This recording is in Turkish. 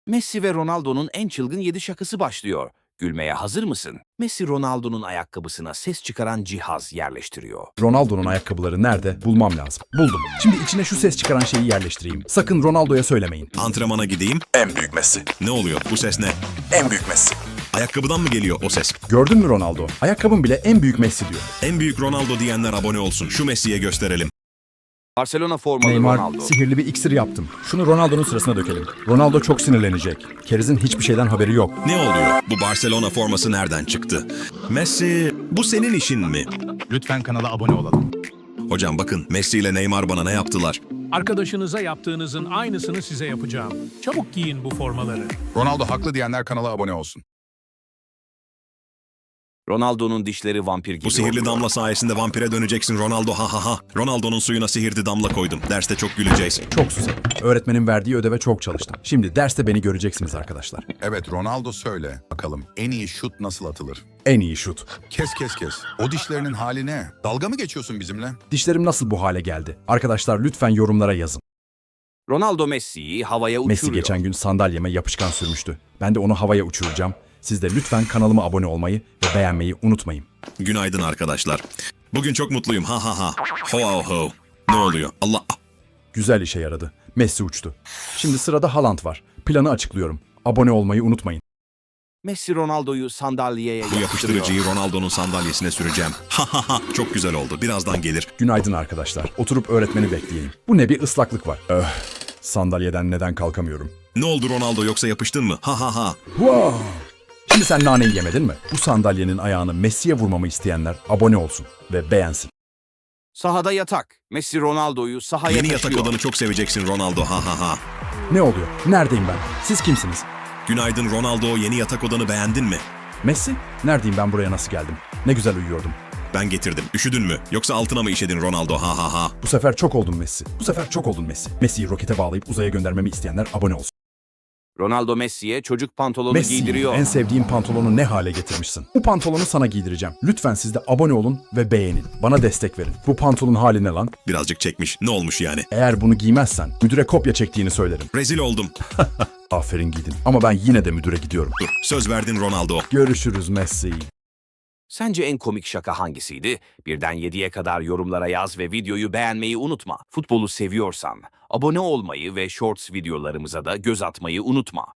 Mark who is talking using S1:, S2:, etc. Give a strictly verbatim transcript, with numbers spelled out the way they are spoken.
S1: Messi ve Ronaldo'nun en çılgın yedi şakası başlıyor. Gülmeye hazır mısın? Messi Ronaldo'nun ayakkabısına ses çıkaran cihaz yerleştiriyor.
S2: Ronaldo'nun ayakkabıları nerede? Bulmam lazım. Buldum. Şimdi içine şu ses çıkaran şeyi yerleştireyim. Sakın Ronaldo'ya söylemeyin.
S3: Antrenmana gideyim.
S2: En büyük Messi.
S3: Ne oluyor? Bu ses ne?
S2: En büyük Messi.
S3: Ayakkabıdan mı geliyor o ses?
S2: Gördün mü Ronaldo? Ayakkabım bile en büyük Messi diyor.
S3: En büyük Ronaldo diyenler abone olsun. Şu Messi'ye gösterelim.
S1: Barcelona formalı
S2: Neymar,
S1: Ronaldo.
S2: sihirli bir iksir yaptım. Şunu Ronaldo'nun sırasına dökelim. Ronaldo çok sinirlenecek. Keriz'in hiçbir şeyden haberi yok.
S3: Ne oluyor? Bu Barcelona forması nereden çıktı? Messi, bu senin işin mi?
S4: Lütfen kanala abone olalım.
S3: Hocam bakın, Messi ile Neymar bana ne yaptılar?
S5: Arkadaşınıza yaptığınızın aynısını size yapacağım. Çabuk giyin bu formaları.
S4: Ronaldo haklı diyenler kanala abone olsun.
S1: Ronaldo'nun dişleri vampir gibi
S3: Bu sihirli
S1: oluyor.
S3: damla sayesinde vampire döneceksin Ronaldo, ha ha ha. Ronaldo'nun suyuna sihirli damla koydum. Derste çok güleceğiz.
S2: Çok susadım. Öğretmenin verdiği ödeve çok çalıştım. Şimdi derste beni göreceksiniz arkadaşlar.
S6: Evet Ronaldo söyle bakalım en iyi şut nasıl atılır?
S2: En iyi şut.
S6: Kes kes kes. O dişlerinin hali ne? Dalga mı geçiyorsun bizimle?
S2: Dişlerim nasıl bu hale geldi? Arkadaşlar lütfen yorumlara yazın.
S1: Ronaldo Messi'yi havaya uçuruyor.
S2: Messi geçen gün sandalyeme yapışkan sürmüştü. Ben de onu havaya uçuracağım. Siz de lütfen kanalıma abone olmayı ve beğenmeyi unutmayın.
S3: Günaydın arkadaşlar. Bugün çok mutluyum, ha ha ha. Ho ho ho. Ne oluyor? Allah...
S2: Güzel işe yaradı. Messi uçtu. Şimdi sırada Haaland var. Planı açıklıyorum. Abone olmayı unutmayın.
S1: Messi Ronaldo'yu sandalyeye
S3: Bu
S1: yapıştırıyor.
S3: yapıştırıcıyı Ronaldo'nun sandalyesine süreceğim. Ha ha ha. Çok güzel oldu. Birazdan gelir.
S2: Günaydın arkadaşlar. Oturup öğretmeni bekleyelim. Bu ne, bir ıslaklık var. Öh, sandalyeden neden kalkamıyorum?
S3: Ne oldu Ronaldo, yoksa yapıştın mı? Ha ha ha.
S2: Wow! Şimdi sen naneyi yemedin mi? Bu sandalyenin ayağını Messi'ye vurmamı isteyenler abone olsun ve beğensin.
S1: Sahada yatak. Messi Ronaldo'yu sahaya
S3: Yeni
S1: taşıyor.
S3: yatak odanı çok seveceksin Ronaldo, ha ha ha.
S2: Ne oluyor? Neredeyim ben? Siz kimsiniz?
S3: Günaydın Ronaldo, yeni yatak odanı beğendin mi?
S2: Messi? Neredeyim ben, buraya nasıl geldim? Ne güzel uyuyordum.
S3: Ben getirdim. Üşüdün mü? Yoksa altına mı işedin Ronaldo, ha ha ha.
S2: Bu sefer çok oldun Messi. Bu sefer çok oldun Messi. Messi'yi rokete bağlayıp uzaya göndermemi isteyenler abone olsun.
S1: Ronaldo Messi'ye çocuk pantolonu
S2: Messi,
S1: giydiriyor.
S2: en sevdiğim pantolonu ne hale getirmişsin? Bu pantolonu sana giydireceğim. Lütfen siz de abone olun ve beğenin. Bana destek verin. Bu pantolonun hali ne lan?
S3: Birazcık çekmiş. Ne olmuş yani?
S2: Eğer bunu giymezsen müdüre kopya çektiğini söylerim.
S3: Rezil oldum.
S2: Aferin, giydin. Ama ben yine de müdüre gidiyorum.
S3: Dur, söz verdin Ronaldo.
S2: Görüşürüz Messi.
S1: Sence en komik şaka hangisiydi? Birden yediye kadar yorumlara yaz ve videoyu beğenmeyi unutma. Futbolu seviyorsan abone olmayı ve shorts videolarımıza da göz atmayı unutma.